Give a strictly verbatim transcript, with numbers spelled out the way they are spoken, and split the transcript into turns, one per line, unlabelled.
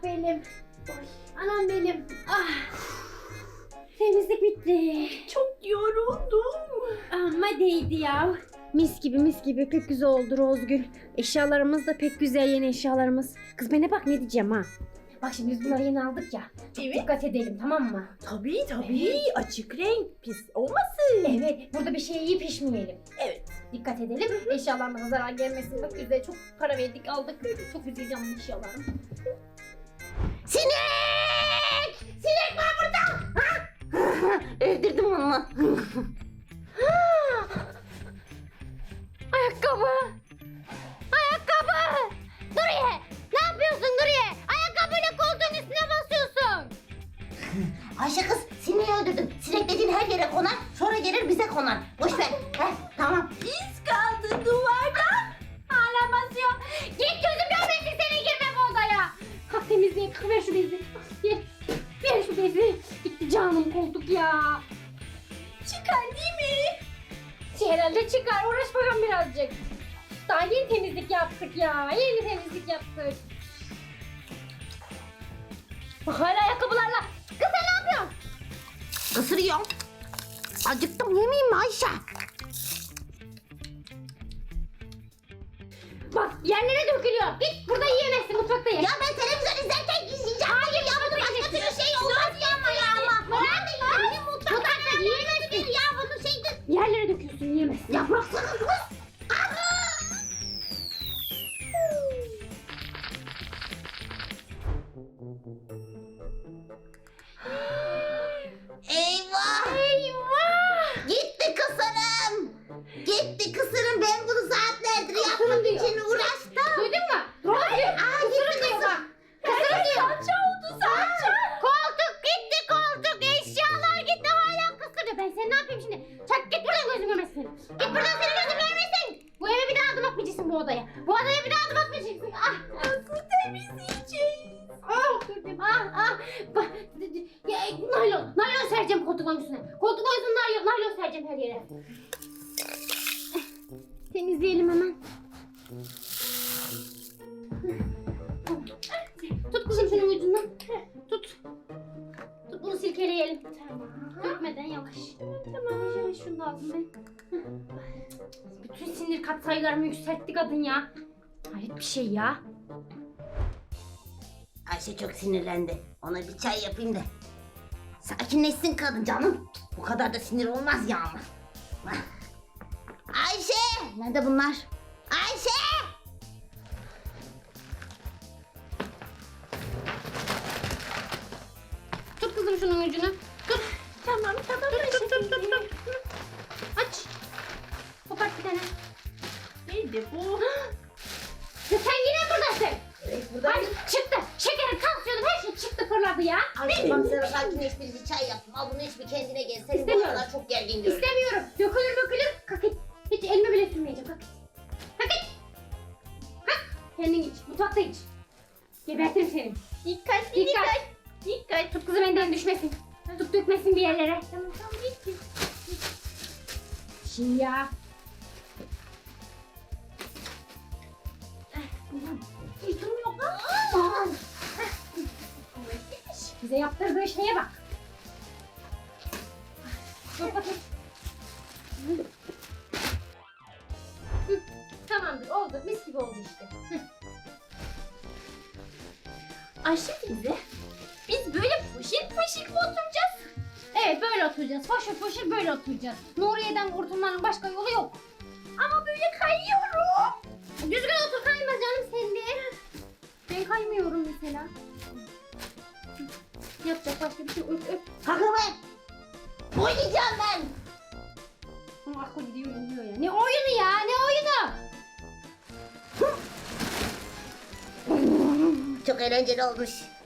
benim. Ay, anam benim. Ah. Temizlik bitti.
Çok yoruldum.
Ama değdi ya. Mis gibi mis gibi pek güzel oldu Rozgül. Eşyalarımız da pek güzel, yeni eşyalarımız. Kız bana bak ne diyeceğim ha. Bak şimdi biz bunları yeni aldık ya.
Evet.
Dikkat edelim, tamam mı?
Tabii tabii. Açık renk pis olmasın.
Evet, burada bir şey yiyip pişmeyelim.
Evet.
Dikkat edelim. Eşyalarımıza zarar gelmesin. Bak biz de çok para verdik, aldık. Çok güzel canlı eşyalarım.
Sinek! Sinek var burada! Ha? Öldürdüm onu.
Ayakkabı! Ayakkabı! Duriye! Ne yapıyorsun Duriye? Ayakkabıyla koltuğun üstüne basıyorsun.
Ayşe kız sineği öldürdüm. Sinek dediğin her yere konar, sonra gelir bize konar. Boş ver. Heh, tamam.
İz kaldı duvarda.
Hala basıyor. Git gözüm görmesin seni girme bu odaya. Kalk temizleyin. Kalk ver şu bezi. Ver. Ver şu bezi. Gitti canım koltuk ya.
Çıkar değil mi?
Herhalde çıkar. Uğraş bakalım birazcık. Daha yeni temizlik yaptık ya. Yeni temizlik yaptık. Bak hala ayakkabılarla. Kız sen ne yapıyorsun?
Isırıyorum. Acıktım yemeyeyim mi Ayşe?
Bak yerlere dökülüyor. Git burada yiyemezsin, mutfakta ye.
Ya ben televizyon izlerken izleyeceğim. Hayır ya bunu başka türlü şey olmaz ya ama ya ama. Ben de yiyeyim mutfakta.
Mutfakta yiyemezsin.
Ya bunu şeyde.
Yerlere döküyorsun, yiyemezsin.
Ya bıraksana kız. Eyvah!
Eyvah!
Gitti kısırım! Gitti kısırım, ben bunu saatlerdir yapmak
Kısırım diyor.
için uğraştım.
Duydun mu? Rozgül.
Aa, gitti kısırım.
Kısırım diyor.
Salça oldu salça.
Koltuk gitti koltuk. Eşyalar gitti hala kısırıyor. Ben seni ne yapayım şimdi? Çak git buradan gözüm görmesin. Git buradan seni gözüm görmesin. Bu eve bir daha adım atmayacaksın bu odaya. Bu odaya bir daha adım atmayacaksın. Ah.
Nasıl temizleyeceğiz?
Ah. Ah. Ah. Bak. Ya, naylon. Naylon sereceğim koltuğun üstüne. Koltuğun üstüne naylon, naylon sereceğim her yere. Temizleyelim hemen. Tut kızım şunun ucundan. Tut. Tut bunu silkeleyelim. Tamam. Dökmeden yavaş. Tamam. Yavaş yavaş şunu da aldım ben. Bütün sinir katsayılarımı yükseltti kadın ya. Hayret bir şey ya.
Ayşe çok sinirlendi. Ona bir çay yapayım da. Sakinleşsin kadın canım. Bu kadar da sinir olmaz ya ama. Ayşe! Nerede bunlar? Ayşe!
Tut kızım şunun ucunu. Tut.
Tamam tamam.
Tut, tut, tut, tut. Aç. Kopart bir tane.
Neydi bu?
Ya sen yine buradasın.
Evet,
Ay çıktı. Şekerim, tansiyonum her şey çıktı fırladı ya.
Ayşe bak sana sakinleştirici çay yaptım. Al bunu iç bir kendine gel. Senin bu
İstemiyorum.
aralar çok gergin görünüyor.
İstemiyorum. Dökülür dökülür. Kalk git. Hiç elime bile sürmeyeceğim. Kalk git. Kalk git. Kalk. Kendin iç. Mutfakta iç. Gebertirim seni.
Dikkat
Dikkat.
dikkat. Dikkat.
Tut kızım elinden düşmesin. Tut dökmesin bir yerlere.
Tamam tamam git git.
Şimdi ya.
Yıkım yok lan.
Aman. Bize yaptırdığı şeye bak. Dur bakayım. Hı. Hı, tamamdır oldu. Mis gibi oldu işte. Hı.
Ayşe teyze. Biz böyle foşil foşil mi oturacağız?
Evet böyle oturacağız. Foşur foşur böyle oturacağız. Nuriye'den kurtulmanın başka yolu yok.
Ama böyle kayıyorum.
Düzgün otur, kayma canım sen de. Ben kaymıyorum mesela. Yapacak başka bir şey öp öp.
Kalkın be! Oynayacağım ben!
Ama akıl gidiyor uyuyor ya. Ne oyunu ya, ne oyunu?
Çok eğlenceli olmuş.